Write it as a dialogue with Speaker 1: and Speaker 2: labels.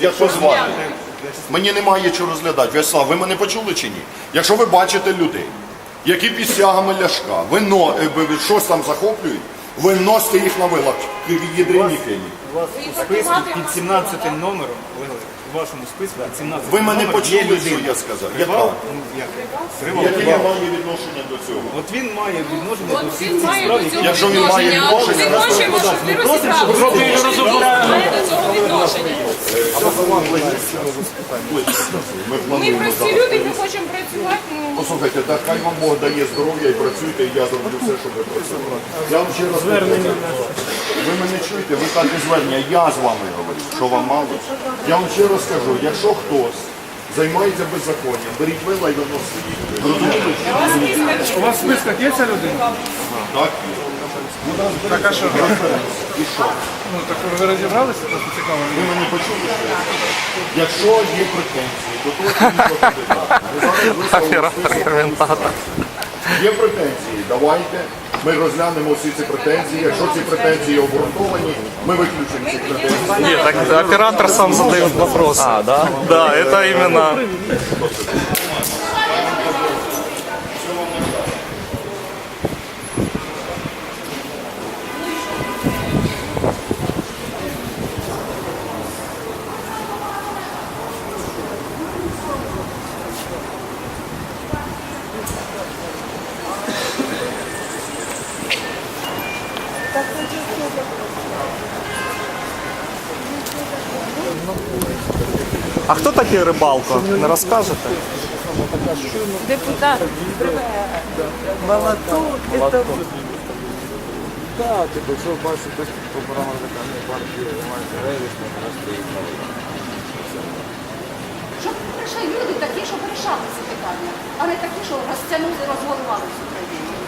Speaker 1: Як вас звати? Мені немає чого розглядати. В'ячеслав, ви мене почули чи ні? Якщо ви бачите людей, які під стягами Ляшка, щось там захоплюють, ви носите їх на вилах, єдині фені.
Speaker 2: У вас у списку під 17 номером, у вашому списку під 17
Speaker 1: Ви мене
Speaker 2: номером є
Speaker 1: почули, що
Speaker 2: людина.
Speaker 1: я сказав?
Speaker 2: Привал? Ну, як? Привал.
Speaker 1: Яке я маю відношення до цього?
Speaker 2: От він має відношення до всіх
Speaker 3: Він
Speaker 2: цих
Speaker 3: має
Speaker 2: справ,
Speaker 3: до
Speaker 2: які...
Speaker 3: цього
Speaker 1: Якщо він має
Speaker 3: відношення,
Speaker 1: відношення,
Speaker 3: ми хочемо, щоб ви розібралися. Він має до цього відношення.
Speaker 1: Ми
Speaker 3: Ми
Speaker 1: плануємо
Speaker 3: прості
Speaker 1: зараз.
Speaker 3: люди, ми хочемо працювати.
Speaker 1: Послухайте, так хай вам Бог дає здоров'я і працюйте, і я зроблю все, щоб ви працювали. Я вам ще раз кажу, ви мене чуєте, ви так і звернення, я з вами говорю, що вам мало. Я вам ще раз кажу, якщо хтось займається беззаконням, беріть вила і виносите їх. Розумієте?
Speaker 4: У вас в списках є ця людина?
Speaker 1: Так, є.
Speaker 4: Так, а що?
Speaker 1: І що?
Speaker 4: Ну, так ви розібралися? Просто цікаво.
Speaker 1: Ви мене почули, що я сказав? Якщо є претензії до того, що іншого кандидата, ви зараз висловили список. Є претензії, давайте. Ми розглянемо всі ці претензії. Якщо ці претензії обґрунтовані, ми виключимо ці претензії.
Speaker 5: Нет, так оператор сам задает вопрос. А, да? Да, это именно... А хто такий Рибалко? Не розкажете?
Speaker 3: Депутат.
Speaker 6: Так, типу, якщо бачите, по парламентарній партії займаються рейдерством, раз приїхали.
Speaker 7: Щоб прийшли люди такі, щоб вирішали ці питання, а не такі, що розтягнули, розгорували в Україні.